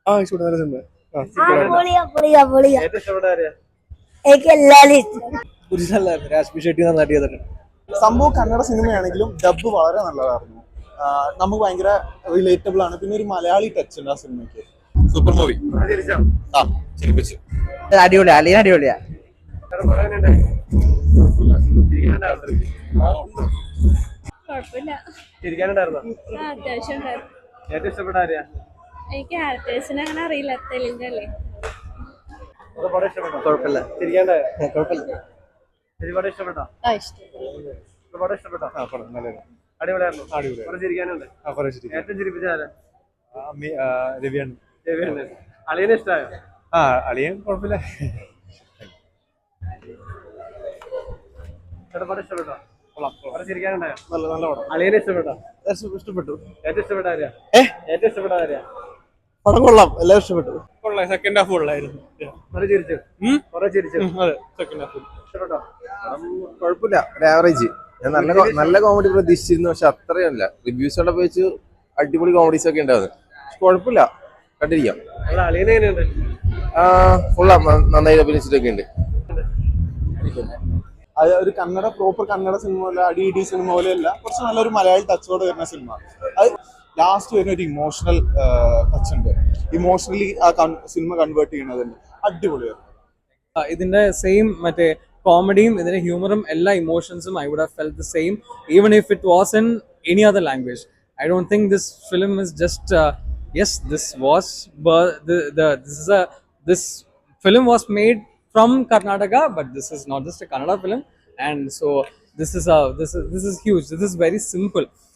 ഇഷ്ടപ്പെട്ട നല്ല സിനിമ. ഏറ്റവും ഇഷ്ടപ്പെട്ട ആരെയാ? എനിക്ക് എല്ലാവരും ഇഷ്ടം. നല്ലായിരുന്നു. രാജ്ബി ഷെട്ടി നന്നായിട്ട് ചെയ്തിട്ടുണ്ട്. സംഭവം കന്നഡ സിനിമയാണെങ്കിലും ഡബ് വളരെ നല്ലതായിരുന്നു. നമുക്ക് ഭയങ്കര റിലേറ്റബിൾ ആണ്. പിന്നെ ഒരു മലയാളി ടച്ച് ഉണ്ട് ആ സിനിമയ്ക്ക്. Super movie. ചിരിച്ചോ? ചിരിപ്പിച്ചു. അടിപൊളിയാ, അളിയൻ അടിപൊളിയാ. ചിരിക്കാനുണ്ടായിരുന്നോ? അത്യാവശ്യം ഉണ്ടായിരുന്നു. ഏറ്റവും ഇഷ്ടപ്പെട്ട ആരെയാ? എനിക്ക് ആക്ടേഴ്സിനെ അങ്ങനെ അറിയില്ല. തെലുങ്ക് അല്ലേ? പടം ഇഷ്ടപ്പെട്ടോ? കുഴപ്പമില്ല. ചിരിക്കാണ്ടായോ? കുഴപ്പമില്ല. പടം ഇഷ്ടപ്പെട്ടോ? പടം ഇഷ്ടപ്പെട്ടോ? അടിപൊളിയായിരുന്നു. കുറെ ചിരിക്കാനുണ്ട്. ഏറ്റവും ചിരിപ്പിച്ച ആരാ? രവിയാണ്. രവിയാണ്. അളിയനെ ഇഷ്ടമായോ? അളിയൻ കുഴപ്പമില്ല. പടം ഇഷ്ടപ്പെട്ടോ? കുറെ ചിരിക്കാനുണ്ടായോ? നല്ല നല്ല പടം. അളിയനെ ഇഷ്ടപ്പെട്ടോ? ഇഷ്ടപ്പെട്ടു. ഏറ്റവും ഇഷ്ടപ്പെട്ട ആരെയാ? ഏറ്റവും ഇഷ്ടപ്പെട്ട ആരെയാ? പടം കൊള്ളാം, എല്ലാവരും ഇഷ്ടപ്പെട്ടു. സെക്കൻഡ് ഹാഫ് കൊള്ളായിരുന്നു. കുറെ ചിരിച്ചു. കുറെ ചിരിച്ചു. അതെ, സെക്കൻഡ് ഹാഫ് ഇഷ്ടപ്പെട്ടോ? കുഴപ്പമില്ല, ഒരു ആവറേജ്. ഞാൻ നല്ല കോമഡി പ്രതീക്ഷിച്ചിരുന്നു, പക്ഷെ അത്രയല്ല. റിവ്യൂസ് ഒക്കെ വെച്ച് അടിപൊളി കോമഡീസ് ഒക്കെ ഉണ്ടായിരുന്നു. കുഴപ്പമില്ല, കണ്ടിരിക്കാം. അളിയനെ എങ്ങനെയുണ്ട്? കൊള്ളാം, നന്നായി അഭിനയിച്ചിട്ടൊക്കെ ഉണ്ട്. അത് ഒരു പ്രോപ്പർ കന്നഡ സിനിമ പോലെ, അടി സിനിമ പോലെയല്ല, കുറച്ച് നല്ലൊരു മലയാളി ടച്ചോടെ വരുന്ന സിനിമ. അത് ലാസ്റ്റ് വരുന്ന ഒരു ഇമോഷണൽ ടച്ച് ഉണ്ട്. ഇമോഷണലി ആ സിനിമ കൺവേർട്ട് ചെയ്യുന്നതുണ്ട്. അടിപൊളിയായിരുന്നു. ഇതിന്റെ സെയിം മറ്റേ കോമഡിയും ഇതിന്റെ ഹ്യൂമറും എല്ലാ ഇമോഷൻസും I would have felt the same even if it was in any other language. I don't think this film is just yes, this film was made from Karnataka, but this is not just a Kannada film, and so this is huge. This is very simple.